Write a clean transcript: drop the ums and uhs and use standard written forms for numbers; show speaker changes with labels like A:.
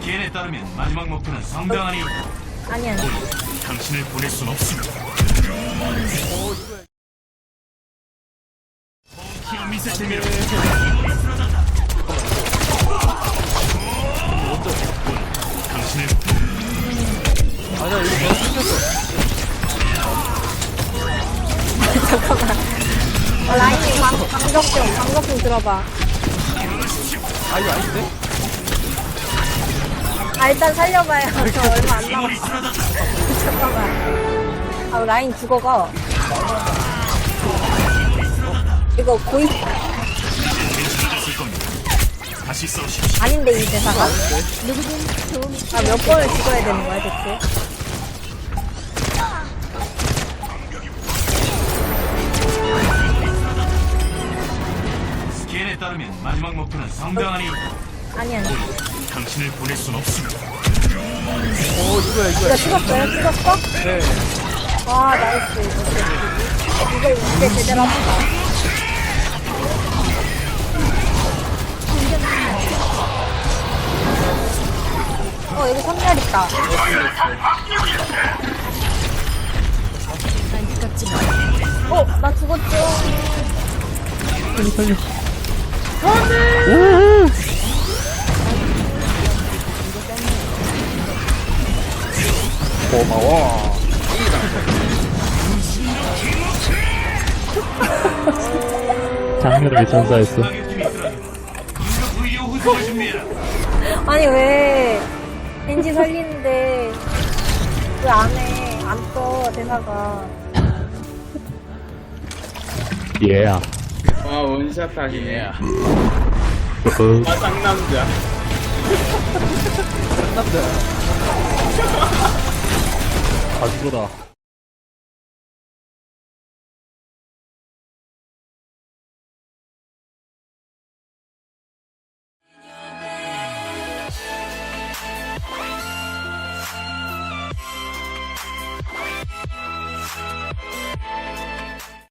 A: 스캔에 따르면 마지막 목표는 성당 안에 있다.
B: 아니 아니.
A: 당신을 보낼 순 없습니다. 키가 미세체면 당신을
C: 아니야 이거 너무 생겼어.
B: 잠깐만. 라인님 방법 좀 들어봐.
C: 아니 아닌데?
B: 아 일단 살려봐요. 저 얼마 안 남았어. 잠깐만. 아 라인 죽어가. 이거 고이
A: 괜찮아졌을 겁니다. 다시 싸우십시오.
B: 아닌데 이 대사가? 아 몇 번을 죽어야 되는 거야 대체?
A: 스캔에 따르면 마지막 목표는 성당 안에 있다.
B: 아니 아니.
A: 당신을 보낼 순 없습니다.
C: 오 이거야
B: 이거
C: 이거야.
B: 찍었어요? 찍었어?
C: 네.
B: 아 나이스. 이거 이제 제대로 합시다. 여기 선멸 있다. 나 죽었죠.
C: 살려 살려. 고마워. 장르를 전사했어.
A: 의료 후속을 준비해라.
B: 아니 왜 겐지 살리는데 왜 안 해? 안 떠 대사가.
C: 얘야.
D: 와 원샷 하기네.
C: 어,
D: 아 쌍남자.
C: 남자. 가지고다.